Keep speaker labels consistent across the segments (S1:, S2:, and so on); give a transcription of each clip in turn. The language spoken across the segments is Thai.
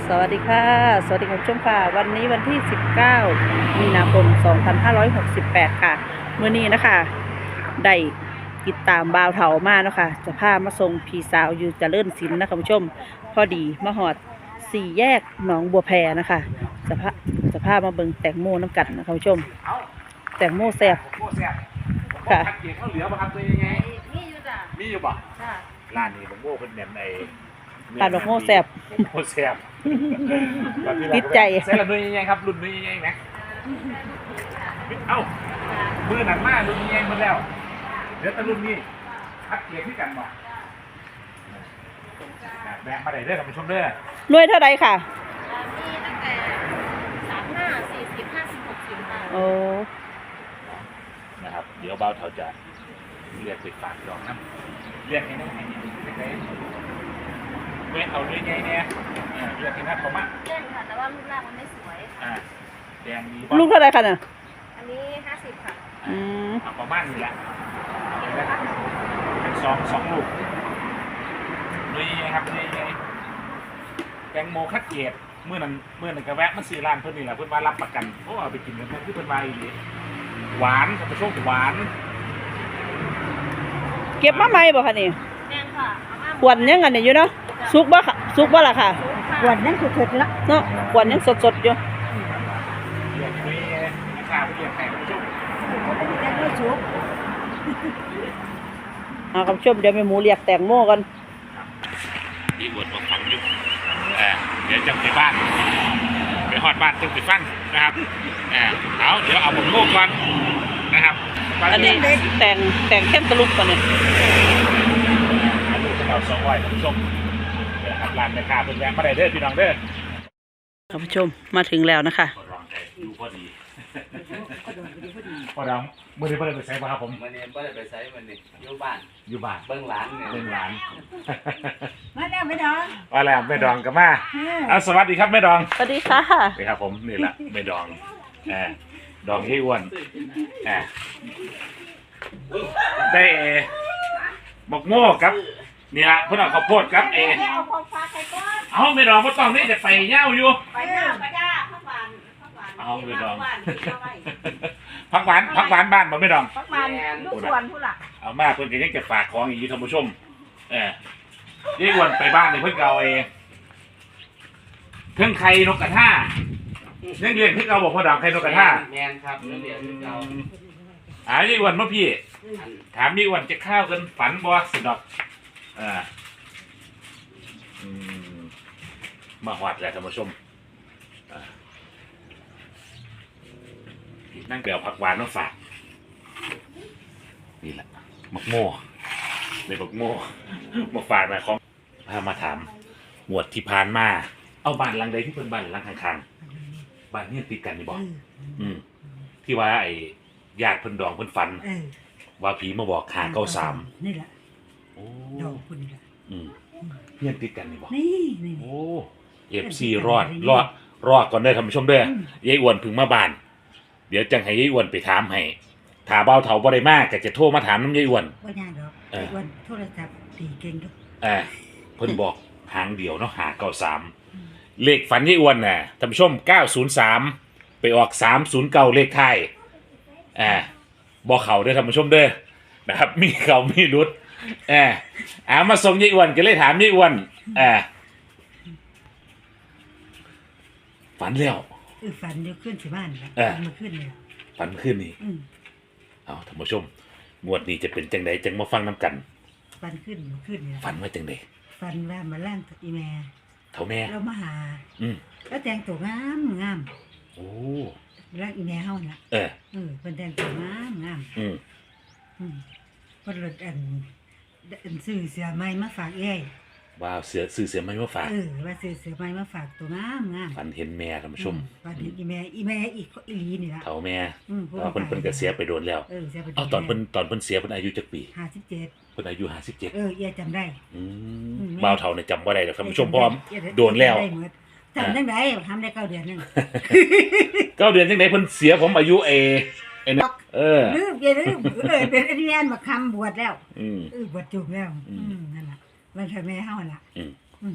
S1: สวัสดีค่ะสวัสดีคุณผู้ชมค่ะวันนี้วันที่ 19 มีนาคม 2568 ค่ะเมื่อนี้นะคะได้ติดตามบ่าวเถามาเนาะค่ะจะพามาส่งพี่สาวอยู่เจริญศิลป์นะคะคุณผู้ชมพอดีมาหอดสี่แยกหนองบัวแพนะคะจะพามาเบิ่งแตงโมน้ำกันนะคะคุณผู้ชมแตงโมแซ่บค่ะ
S2: ผัดเกี๊ยวข้าวเหลือป่ะครับตัวยังไง
S3: มีอยู่จ้ะ
S2: มีอยู่ป่ะ
S3: จ้ะ
S2: ร้านนี้ผมโม่เป็นแหนมใน
S1: ร้านบักโม่แซ่บ
S2: โม่แซ่บ
S1: ติดใจ
S2: ใส่ละนุ่ยยังไงครับรุ่นนุ่ยยังไงนะเอ้ามือหนักมากรุ่นยังไงมือแล้วเดี๋ยวตะรุ่นนี้ผัดเกี๊ยวที่กันบ่แบ่งมาได้เด้อท่านผู้ชมเด้อ
S1: รวยเท่าไรค่ะ
S3: มีตั้งแต่35 40 50 60ค่ะ
S1: โอ้
S2: นะครับเดี๋ยวเบาเท่าจะเรียกไปฝากดอกน้ำเรียกให้น้องให้ได้เว้ยเอาด้วยไงเนี่ยเรียกให้น้าเขามา
S3: เล่นค่ะแต่ว่ารูปร่างมันไม่สวย
S2: แดงดี
S1: ลูกเท่าไรค่ะเนี่ย
S3: อันนี้50ค่ะ
S2: ประมาณนี้แหละเป็นสองลูกด้วยไงครับด้วยไงแตงโมคัดเกตเมื่อนั้นกระแวะมันซื้อร้านเพื่อนนี่แหละเพื่อนมารับประกันเพราะเอาไปกินกันที่เพื่อนมาอีกหวานกับโชคหวาน
S1: เก็บมาไหมบ่คะนี่
S3: แม่ค่ะ
S1: ขวดยังกันอยู่เนาะซุกบ่ค่ะซุกบ่ล่ะค่ะ
S3: ขวดยังสดๆแล้ว
S1: เนาะขวดยังสดๆอยู่
S2: เรียกด้วยข้าวเรียกไข่โชค
S3: ยังไม่สุก
S1: คุณผู้ชมเดี๋ยวแม่หมูเรียกแตงโมกัน
S2: มีบทมาฟังอยู่เดี๋ยวจะไปบ้านไปฮอดบ้านต้องไปฟังนะครับเอาเดี๋ยวเอาผมโง่ก่อนนะครับ
S1: อันนี้แต่งเข้มตะลุกก่อนเนี่ย
S2: ลูกเราสองวัยท่านผู้ชมนะครับร้านแม่ค้าเพิ่นแวะมาได้เด้อพี่น้องเด้อ
S1: ท่านผู้ชมมาถึงแล้วนะคะ
S2: ดูพอดีพอดองเมื่อนี้เพิ่นไปใช้ป่ะครับผม
S4: เมื่อนี้เพิ่นไปใช้มันนี่อยู่บ้านเบิ่งหลานเนี่ย
S2: เบิ่งหลาน
S3: มาแล้วแม่ดอง
S2: ว่าแล้วแม่ดองก็มาสวัสดีครับแม่ดอง
S1: สวัสดีค่ะ
S2: นี่ครับผมนี่แหละแม่ดองดองที่อ้วนได้บอกโม่ครับนี่ละเพื่อนเอาข้าวโพดครับ
S3: เอาของฝากใส่ก้อน
S2: เอาไม่ดองก็ต้องนี่จะไปเย้าอยู่
S3: ไปเย้าก็ได้ผักหวาน
S2: เอาไม่ดองผักหวานบ้านบ่ไม่ดอง
S3: ผักหวานลูกสวนผู้หลัก
S2: เอามาเพื่อนก็ยังจะฝากของอย่างนี้ท่านผู้ชมยี่อ้วนไปบ้านเลยเพื่อนเก่าเครื่องไข่นกกระทายังเรียนที่เราบอกพ่อดาวไข่นกกระทา
S4: แมนครับเรียนที่เรา
S2: ยี่อ้วนเมื่อพี่ถามยี่อ้วนจะข้าวกันฝันบ่สิดอกมาหอดแหละท่านผู้ชมนั่งเกลียวผักหวานมาฝากนี่แหละมักโม่ในมักโม่มาฝากนะของพามาถามหมวดที่ผ่านมาเอาบ้านหลังใดที่เป็นบ้านหลังข้างๆบ้านนี่ติดกันนี่บอกที่ว่าไอ้ญาติเพิ่นดองเพิ่นฝันว่าผีมาบอก593
S3: นี่แหละโอ้ดองคนนี่แหละ
S2: เนี่ยติดกันนี่บอก
S3: นี่
S2: โอ้FC รอดก่อนได้ท่านผู้ชมเด้อยายอ้วนพึ่งมาบ้านเดี๋ยวจังให้ยายอ้วนไปถามให้ถ้าเบาเฒ่าบ่ได้มากก็จะโทรมาถามน้ำยายอ้วน
S3: บ่ยากดอกยายอ้วนโทรศัพท์ตีเก่งทุก
S2: เพิ่นบอกหางเดียวเนาะ593เลขฝันยายอ้วนน่ะท่านผู้ชม903ไปออก309เลขท้ายบ่เข้าเด้อท่านผู้ชมเด้อนะครับมีเข้ามีหลุดมาส่งยายอ้วนก็เลยถามยายอ้วนฝันแล้ว
S3: ฝันเดี๋ยวขึ้นสิบ้านแล้วมาขึ้นเลย
S2: ฝันขึ้นนี่เอาท่านผู้ชมงวดนี้จะเป็นจังไดจังมาฟังน้ำกัน
S3: ฝันขึ้นเนี่ย
S2: ฝันว่าจังได
S3: ฝันว่ามาล่างอีแม่
S2: เท่าแม่
S3: เรามาหาแล้วแต่งตัวงาม
S2: โอ้
S3: ร่างอีแม่เฮาน่ะเป็นแต่งตัวงามเพิ่นรถอันซื้อเสื้อใหม่มาฝากเอ้ย
S2: ว้าวซื้อเสื้อใหม่มาฝาก
S3: ว่าซื้อเสื้อใหม่มาฝากตัวงาม
S2: ฝันเห็นแม่ท่านผู้ชม
S3: ฝันเห็นอีแม่อีหลีนี่ล่ะ
S2: เฒ่าแม่เพิ่นก็เสียไปโดนแล้วเอาตอนเพิ่นเสียเพิ่นอายุจักปี
S3: 57เ
S2: พิ่นอายุ57
S3: ยายจำได้
S2: บ่าวเฒ่าเนี่ยจำบ่ได้ดอกท่านผู้ชมเพราะโดนแล้ว
S3: จำจังได๋ทำได้9 เดือนนึง
S2: 9 เดือนจังได๋เพิ่นเสียผมอายุ
S3: ลืมเป็นอันนี้อันมาคำบวชแล้วบวชจุกแล้วนั่นล่ะมันทำแม่เฮาล่ะ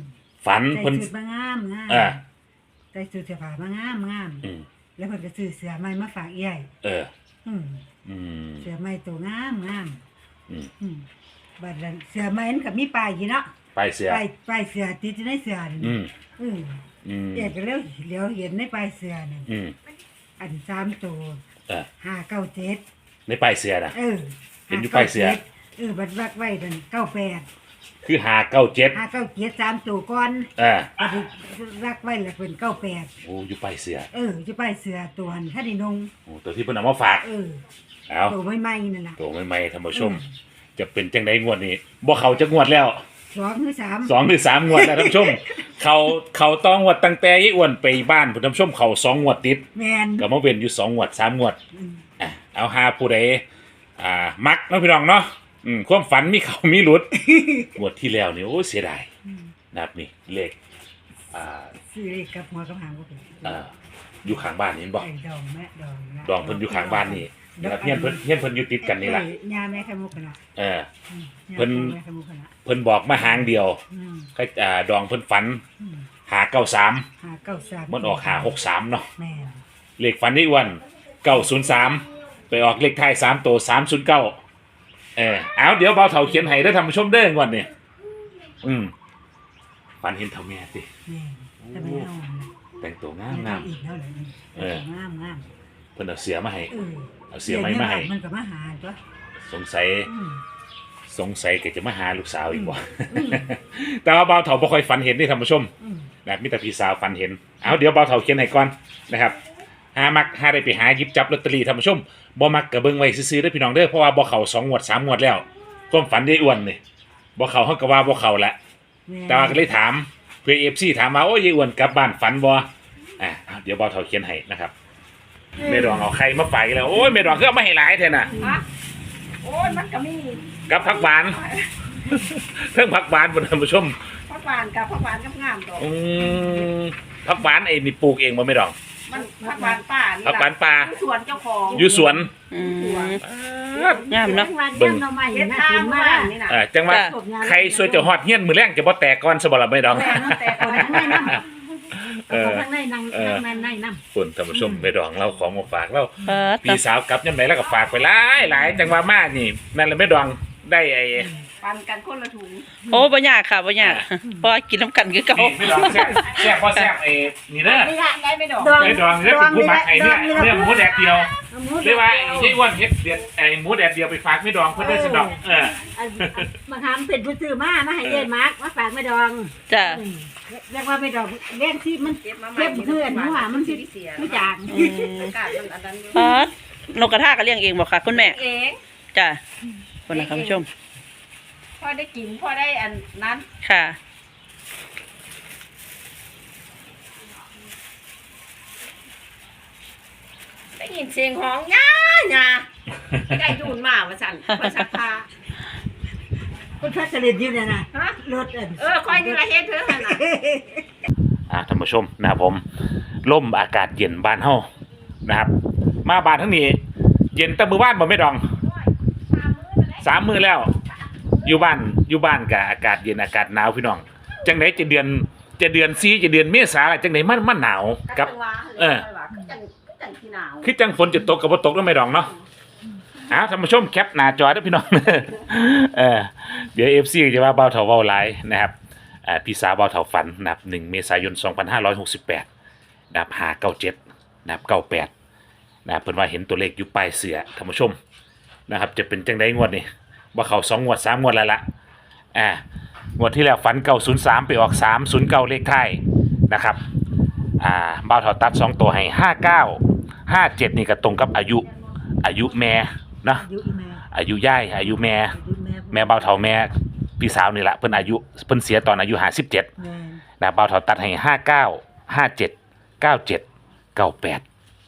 S2: ฝัน
S3: ใส่
S2: เพิ่น
S3: ชุดมางามงาม
S2: เออ
S3: ใส่ชุดเสื้อผ้ามางามงาม
S2: อืม
S3: แล้วเพิ่นก็ซื้อเสื้อใหม่มาฝากใหญ่
S2: เออ
S3: อืม
S2: อืม
S3: เสื้อใหม่ตัวงามงาม
S2: อืม
S3: อืมบัดนั้นเสื้อใหม่มันก็มีป้ายอยู่เนาะ
S2: ไปเสีย
S3: ป้ายเสื้อติดอยู่ในเสื้อนั่น
S2: อืม
S3: อืม
S2: อืม
S3: เอกก็แล้วเห็นในป้ายเสื้อนั่น
S2: อืม
S3: อัน3ตัว
S2: เออ
S3: 597
S2: ในป้ายเสียนะ
S3: เออ
S2: เห็นอยู่ป้ายเสื้อ
S3: บัดวักไว้นั่น98
S2: คือ597
S3: 597 3ตัวก่อน
S2: อ่า
S3: บัดรักไว้แล้วเป็น98
S2: โอ้อยู่ป้ายเสีย
S3: จะป้ายเสื้อตัวนั้นถ้าได้นง
S2: โอ้ตัวที่เพิ่นเอามาฝาก เอา
S3: ตัวใหม่ๆนั่นล่ะ
S2: ตัวใหม่ๆท่านผู้ชม จะเป็นจังไดงวดนี้บ่เขาจะงวดแล้ว
S3: 2หรือ3
S2: 2หรือ3งวดแล้วท่านผู้ชม เขาต้องงวดตั้งแต่ยายอ้วนไปบ้านท่านผู้ชมเขา2งวดติด
S3: แม่น
S2: ก็มาเว้นอยู่2งวด3งวด
S3: อืม
S2: เอาหาผู้ใดมักเนาะพี่น้องเนาะความฝันมีเขามีหลุด งวดที่แล้วนี่โอ้เสียดาย
S3: อืม
S2: นะครับนี่เลขอ่า
S3: ซื้อเลขกับหัวกับหางก็เป็น
S2: อยู่ข้างบ้านนี่เห็นบ่
S3: ไอ้ดองแม่ดองนะ
S2: ดองเพิ่นอยู่ข้างบ้านนี่นะครับเฮียนเพิ่นอยู่ติดกันนี่ล่ะ
S3: ย่าแม่ไข่มุกกันละ
S2: เออ
S3: อืม
S2: เพิ่น
S3: ย่าแม่ไข่มุกกันละ
S2: เพิ่นบอกมาหางเดียว
S3: อืม
S2: ดองเพิ่นฝัน
S3: อืม
S2: หา93
S3: 593
S2: มันออกหา63เนาะ
S3: แม่น
S2: เลขฝันได้อ้วน903ไปออกเลขท้าย3ตัว309เอาเดี๋ยวเบาเฒ่าเขียนให้ได้อท่านผู้ชมเด้องวดนี้ฝันเห็นเฒ่าแม่ติ
S3: แม่นแต่ไม่เอานะ
S2: แต่งตัวงา
S3: ไม่
S2: ม
S3: เอาอีกแล้วเลย
S2: เออ
S3: งามงาม
S2: เพิ่นเอาเสียมาให้
S3: เออ
S2: เอาเสียไม้มาให้
S3: มันก็มาหาตัว
S2: สงสัย
S3: อืม
S2: ก็จะมาหาลูกสาวอีกบ่
S3: อืม
S2: แต่ว่าเบาเฒ่าบ่ค่อยฝันเห็นนี่ท่านผู้ชม
S3: อืม
S2: นะมีแต่พี่สาวฝันเห็นเอาเดี๋ยวเบาเฒ่าเขียนให้ก่อนนะครับหามักหาได้ไปหาหยิบจับลอตเตอรี่ท่านผู้ชมบ่มักก็เบิ่งไว้ซื่อๆเด้อพี่น้องเด้อเพราะว่าบ่เข้า2งวด3งวดแล้วความฝันได้อ้วนนี่บ่เข้าเฮาก็ว่าบ่เข้าละ
S3: ม่น
S2: แต่ว่าก็เลยถามเพื่อ FC ถามมาโอ้ยยายอ้วนกลับบ้านฝันบ่เอาเดี๋ยวเบาเฒ่าเขียนให้นะครับแม่ดองเอาไข่มาฝากอีกแล้วโอ้ยแม่ดองคือเอามาให้หลายแท้น่ะ
S1: ฮะโอ้ยมันก็มี
S2: กับผักหวาน เพิ่งผักหวานบนท่านผู้ชม
S1: ผักหวานกับงามดอก
S2: ผักหวานไอ้นี่ปลูกเองบ่ไม่ดอง
S1: มันผักหวานป่านี่
S2: ผักหวานป่า
S1: อยู่สวนเจ้าของ
S2: อยู่สวน
S1: งามเนาะ
S3: เบิ่งน้ำใหม่
S1: เฮ็ด
S3: น่า
S1: ทา
S3: กิ
S1: ง
S3: น
S1: มาม
S3: าก
S1: นี่น่ะ
S2: จังว่า
S1: สดงาม
S2: ใครสวยจะฮอดเฮียนมือแรงจะบ่แตกก่อนซะบ่ล่ะไม่ดอง
S1: แม่เนาะแต่ก่อนข้างในน้ำ
S2: เออ
S3: ข้างในนั่งในน้ำ
S2: คุณท่านผู้ชมไม่ดองเราของมาฝากเรา
S1: เออ
S2: พี่สาวกลับยามไหนแล้วก็ฝากไปหลายจังว่ามานี่นั่นแหละไม่ดองได้ไอ้
S1: ปันกันคนละถุง
S5: โอ้บ่ยากค่ะบ่ยากเพราะว่ากินน้ำกันคือเก่า
S2: นี่ไม่ดองแซ่บบ่แซ่บไอ้นี่เด้อ
S1: ไม่ได้ได้ไม่ดอก
S2: ไม่ดองนี่เป็นผู้มักไอ้เนี่ยเนื้อหมูแดดเดียวเรียกว่าไอ้ยายอ้วนเฮ็ดเด็ดไอ้หมูแดดเดียวไปฝากไม่ดองเพิ่นได้สนอก
S3: มาทำเป็นผู้ซื้อมาให้เย็นมาร์กมาฝากไม่ดอง
S5: จ้ะ
S3: เรียกว่าไม่ดองเลี้ยงที่มัน
S1: เก็บมาใหม่
S3: เก็บเพื่อนหัวมันสิไม่จาง
S1: อากาศมันอันนั้นอยู่
S5: นกกระทาก็เลี้ยงเองบ่ค่ะคุณแม่
S1: เอง
S5: จ้ะคนนะคุณผู้ชม
S1: พอได้กินพอได้อันนั้น
S5: ค่ะ
S1: ได้ยินเสียงของย่าไก่ดูนมาว่าสั่นว่าสักพา
S3: คุณพัชรินอยู่เนี่ยนะ
S1: ฮะ
S3: รถอัน
S1: คอยนี่ละเฮ็ดเถอะหั่นน่ะ
S2: ท่านผู้ชมนะครับผมล่มอากาศเย็นบ้านเฮานะครับ มาบ้านทั้งนี้ เย็นแต่มือบ้านบ่ไม่ดอง3 มื้อแล้ว อยู่บ้านกับอากาศเย็นอากาศหนาวพี่น้องจังไหนจะเดือน4จะเดือนเมษาอะไรจังไหนมันหนาวกับ
S1: จังที่หนาว
S2: คือจังฝนจะตกกับบ่ตกแล้วไม่ดองเนาะท่านผู้ชมแคปหน้าจอเด้อพี่น้อง เดี๋ยว FC จะว่าเบาเฒ่าเว้าหลายนะครับพี่สาวเบาเฒ่าฝันนะครับ1เมษายน2568นะครับ597นะครับ98นะครับเพิ่นว่าเห็นตัวเลขอยู่ปลายเสือท่านผู้ชมนะครับจะเป็นจังได๋งวดนี้บ่เข้า2งวด3งวดแล้วล่ะงวดที่แล้วฝัน903ไปออก309เลขท้ายนะครับบ่าวเฒ่าตัด2ตัวให้59 57นี่ก็ตรงกับอายุแม่เนาะ
S3: อยู่อีแม่
S2: อายุย่ายอายุแม่
S3: อยู่แม่
S2: แม่บ่าวเฒ่าแม่พี่สาวนี่แหละเพิ่นอายุเพิ่นเสียตอนอายุ57
S3: แม่
S2: นะบ่าวเฒ่าตัดให้59 57 97 98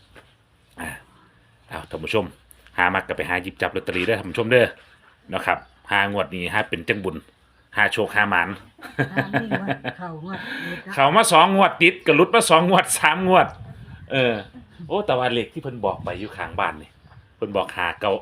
S2: เอาท่านผู้ชมหามักก็ไปหาหยิบจับลอตเตอรี่เด้อท่านผู้ชมเด้อเนาะครับหางวดนี้หาเป็นจังบุญหาโชคหาหมาน
S3: ไม่รู้ว่าเขางวด
S2: เขามา2งวดติดก็หลุดมา2งวด3งวดโอ้แต่ว่าเลขที่เพิ่นบอกไปอยู่ข้างบ้านนี่เพิ่นบอก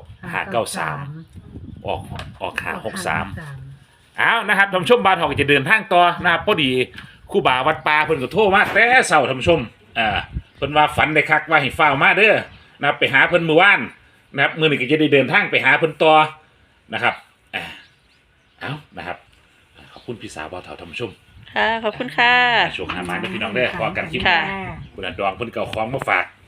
S2: 593ออก563อ้าวนะครับท่านผู้ชมบ้านเฮาก็จะเดินทางต่อนะครับพอดีครูบาวัดป่าเพิ่นก็โทรมาแต่เช้าท่านผู้ชมเพิ่นว่าฝันได้คักว่าให้ฟ้าวมาเด้อนะครับไปหาเพิ่นมื้อวานนะครับมื้อนี้ก็จะได้เดินทางไปหาเพิ่นต่อนะครับเอานะครับขอบคุณพี่สาวบ่าวเฒ่าท่านผู้ชม
S5: ค่ะขอบคุณค่ะ
S2: โชคหามาเด้อพี่น้องเด้อพอกันคลิปห
S5: ค่ะ
S2: น้าคุณดองเพิ่นก็เอาของมาฝาก